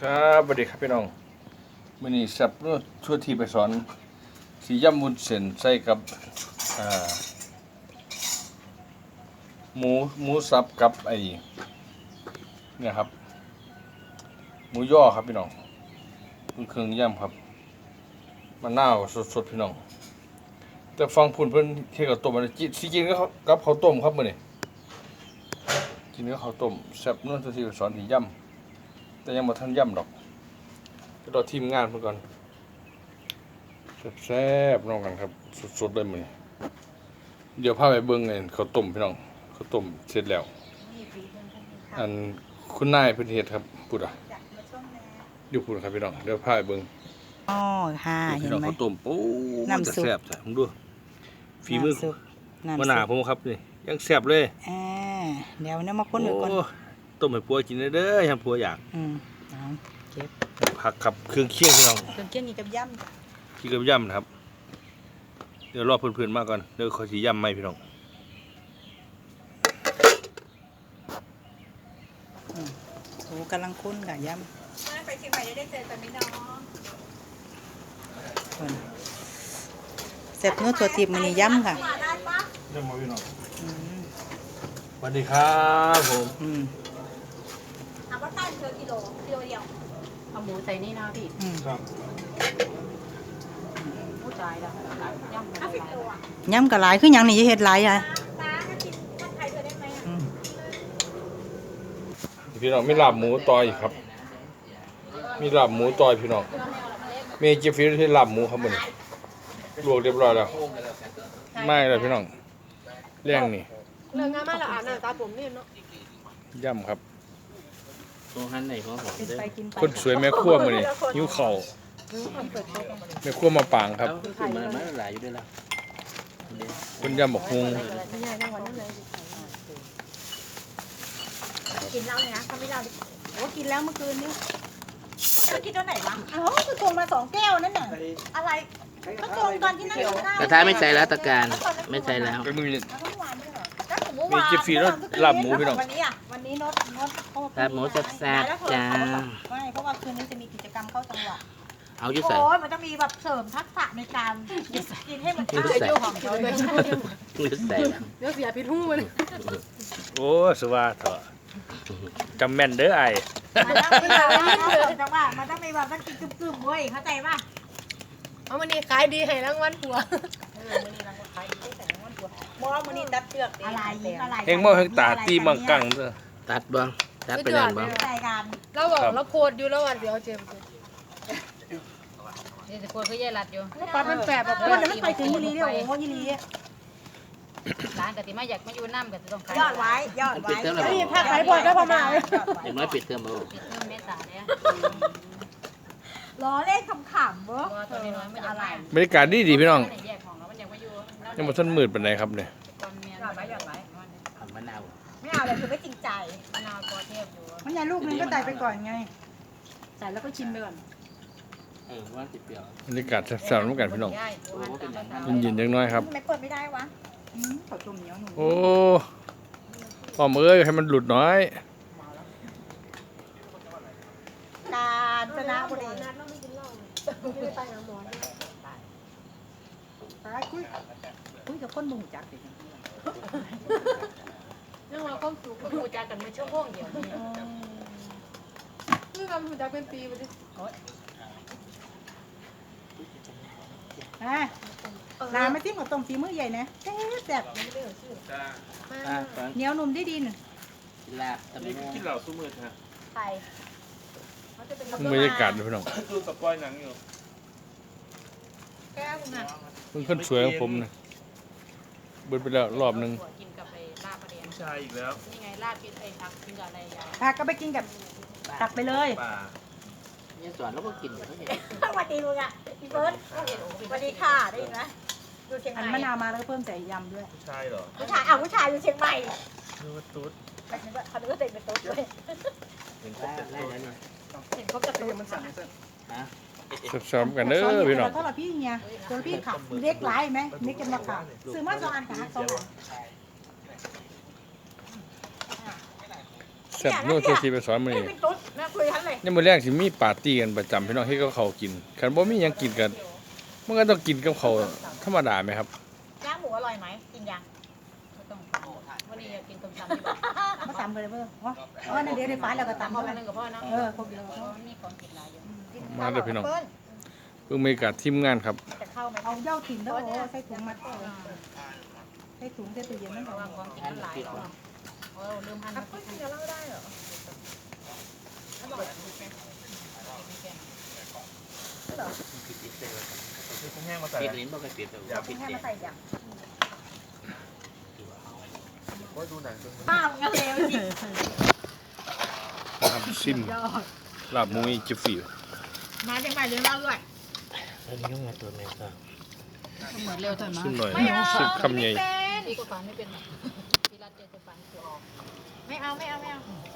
ครับสวัสดีครับพี่น้องมื้อนี้สับเนื้อชั่วทีไปสอนสีย่ำวุ้นเส้นใส่กับอ่าหมูสับกับไอ้เนี่ยครับหมูย่อครับพี่น้องเครื่องย่ำครับมะนาวสดๆพี่น้องแต่ฟังพุ่นเพิ่นเฮ็ดข้าวต้มมันสิกินกับข้าวต้มครับมื้อนี้กินกับข้าวต้มแซ่บเนื้อชั่วทีไปสอนสีย่ำแต่ยังบ่ทันย่ำดอกก็รอทีมงานเพิ่นก่อนแซ่บๆน้องกันครับสดๆเลยมื้อนี้เดี๋ยวพาไปเบิ่งไอ้ข้าวต้มพี่น้องข้าวต้มเสร็จแล้วอันคุณนายเพิ่นเฮ็ดครับพูดอ่ะอยู่พูดครับพี่น้องเดี๋ยวพาไปเบิ่งอ๋อค่ะพี่เห็นน้องไหมข้าวต้มโอ้น้ำซุปแซ่บจ้ะผมดูฝีมือน้ำซุปมะนาวผมครับนี่ยังแซ่บเลยอ่าเดี๋ยวเนี่ยมาค้นดูก่อนโอ้ต้มให้ผัวกินเด้อให้ผัวอยากเอาเก็บผักครับเครื่องเคียงพี่น้องเครื่องเคียงนี่กับย่ำจ้ะที่กับย่ำนะครับเดี๋ยวรอเพื่อนๆมาก่อนเดี๋ยวเขาสิย่ำไหมพี่น้องโอ้กำลังค้นกับย่ไปเชียงใหม่ได้เจอกันไหมน้องำคนเสร็จเนื้อถั่วทิพย์มันนี่ย่ำค่ะมาได้ปะย่ำมาพี่น้องอืมสวัสดีครับผมอืมถามว่าใต้เธอกิโลเดียวเอาหมูใส่นี่นะพี่อืมครับผู้ชายแล้วย่ำ 50 ไปโลอ่ะย่ำกับหลายคือหยังนี่จะเฮ็ดหลายอ่ะน้าถ้ากินถ้าไทยเธอได้ไหมอ่ะอืมพี่น้องมีลาบหมูต่อยครับ มีลาบหมูต่อยพี่น้องมีเจฟฟี่ที่ลาบหมูครับมันลวกเรียบร้อยแล้วไม่เลยพี่น้องเลี้ยงนี่เรื่องงานมาแล้วอ่านหน้าตาผมนี่เนาะย่ำครับตัวหันไหนของผมกินเด้อไปกินไปคนสวยแม่ครัวมื้อนี้หิวข้าวแม่ครัวมาปางครับแล้วคือมันหลายอยู่ด้วยล่ะเด้อคนย่ำบักฮุงกินเหล้าเนี่ยนะทำไม่เหล้าดิโอ้กินแล้วเมื่อคืนนี้เธอกินตัวไหนวะอ๋อคือตรงมา2 แก้วนั่นน่ะอะไรก็ตรงตอนที่นั่งอยู่ข้างหน้ากระทะไม่ใส่แล้วตะการไม่ใส่แล้วก็มือแล้วเมื่อวานไม่เหรอก็ถึงเมื่อวานมีเจฟฟี่แล้วลาบหมูพี่น้องวันนี้อ่ะวันนี้โน้ตเขาลาบหมูแซ่บๆจ้าไม่เพราะว่าคืนนี้จะมีกิจกรรมเข้าจังหวะเอาอยู่ใส่โอ้ยมันต้องมีแบบเสริมทักษะในการกินให้มันอยู่ใส่ของเขาเลยอยู่ใส่แล้วเดี๋ยวเสียพิษหูมันโอ้สว่าเถอะจำแม่นเด้อไอ้มันต้องมีแบบจังหวะมันต้องมีแบบต้องกินกึ่มๆเว้ยเข้าใจป่ะเอามันนี่ขายดีให้รางวัลผัวมองมันนี่ตัดเชือกอะไรอะไรเฮงเมาเฮงตาตีมังกังเด้อตัดบ้างตัดไปนั่นบ้างใจกันเราบอกเราโพดอยู่แล้ววันเดียวเจมส์นี่จะควรเขาแย่รัดอยู่ปลาเป็นแปบแบบคนนั้นไปถึงยีรีเนี่ยโอ้ยีรีร้านกติมาอยากมาอยู่น้ำก็จะต้องขายยอดไว้ยอดไว้นี่ถ้าขายบ่อยก็ประมาณอย่างน้อยปิดเทอมเอาปิดเทอมเมษาเนี่ยล้อเล่นขำๆเว้ยตัวน้อยๆไม่อยากมาบรรยากาศดีพี่น้องแยกของเรามันอยากมาอยู่ยังบ่ทันมืดปานใดครับเนี่ยก่อนเมียนทำมะนาวไม่เอาเลยคือไม่จริงใจมะนาวปอเทพอยู่มันยาลูกนึงก็ใส่ไปก่อนไงใส่แล้วก็ชิมไปก่อนว่าติดเปรี้ยวบรรยากาศแซ่บๆเหมือนกันพี่น้องย่ายตัวหันตามภาษาเย็นๆจังน้อยครับทำไมเปิดไม่ได้วะข้าวต้มเหนียวหนูโอ้ออมเอ้ยให้มันหลุดน้อยกาญจนบุรีคุยกับคนบ่งจักดิเรื่องเราความสุขก็หูจักกันมาชั่วโมงเดียวนี่นี่ทำหูจักเป็นปีไปดิอ่ะลาไม่ทิ้งกับต้มฝีมือใหญ่นะแซ่บแซ่บอ่ะฟังเหนียวนุ่มได้ดีน่ะลาบตะมูไทยบรรยากาศพี่น้องแก้วนะเพิ่นคนสวยของผมนะเบิดไปแล้วรอบหนึงกินกับไอ้ลาบประเดี๋ยวผู้ชายอีกแล้วนี่ไงลาบกินไอ้ผักกินกับอะไรยายพาก็ไปกินกับตักไปเลยเนี่ยสอนแล้วก็กินอยู่ทั้งนี้สวัสดีมึงอ่ะพี่เบิร์ดสวัสดีค่ะได้ยินไหมอยู่เชียงใหอันม่มะนาวมาแล้วก็เพิ่มใส่ยำด้วยผู้ชายผู้ชายอยู่เชียงใหม่นึกว่าตุ๊ดเขาคิดว่าเต็มเป็นตุ๊ดด้วยเห็นว่าได้แล้วเนี่ยเห็นเขาจะตุ๊ดฮะแซ่บๆกันเด้อพี่น้องเท่าไหร่พี่เนี่ยตัวพี่ขับเล็กหลายไหมเล็กกันมาขับซื้อมา2 อันค่ะ2 อันแซ่บโน่นตัวที่ไปสอนมื้อนี่นี้เป็นตุ๊ดแม่คุยทันเลยยามมื้อแรกสิมีปาร์ตี้กันประจำพี่น้องที่เขาเขาวกินคันบ่มีหยังกินกันมันก็ต้องกินกับข้าวธรรมดาไหมครับย่างหมูอร่อยไหมกินยังไม่ต้องวันนี้อยากกินต้มตำที่บ้านมาตำกันเลยเพื่อนว่านั่นเดี๋ยวได้ฟ้าแล้วก็ตำพ่อเท่าแม่นั้นนึงกับพ่อเนาะครบแล้วมีของกินหลายอยู่มาเด้อพี่น้องเปิ้ลเพิ่งมีการทีมงานครับจะเข้าไหมเอาเหย้าถิ่นแล้วโอ้ใส่ถุงมัดใส่ถุงใส่ตู้เย็นนั่นเพก่อราะว่าน ของกินมันหลายเนาะลืมหั่นเปิ้ลกินจะเล่าได้เหรออร่อยปิดลิ้นบ่เคยปิดเลยเอาปิดแค่เด็มาใส่อย่างข้าวกระเลวจริงน้ำซิมลาบหมูอีจิฟิวมาจังไปเลี้ยงเราด้วยอันนี้ต้องมาตัวแม่ก็เหมือนเร็วเถอะมาซิมหน่อยซิมคำใหญ่พี่ก็ฝันไม่เป็นพี่รัตเจจะฝันเสือไม่เอาไม่เอาไม่เอา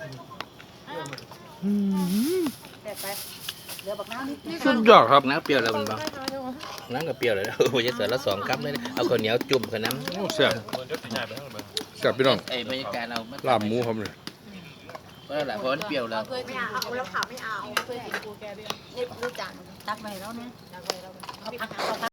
แต่ไปเหลือบักน้ำนิดสุดยอดครับน้ำเปรี้ยวแล้วมันบ่น้ำกับเปรี้ยวเลยนะโอ้ยจะเสือละ2 ครับเลยเอาข้าวเหนียวจุ่มกับน้ำโอ้แซ่บแซ่บพี่น้องไอ้บรรยากาศเราลาบหมูครับเลยเพราะอะไรเพราะมันเปรี้ยวแล้วเคยไม่กินเอาเอาแล้วขาไม่เอาเคยกินกูแกเบี้ยนี่รู้จักตักไปแล้วนะอยากไปแล้วเอาผัก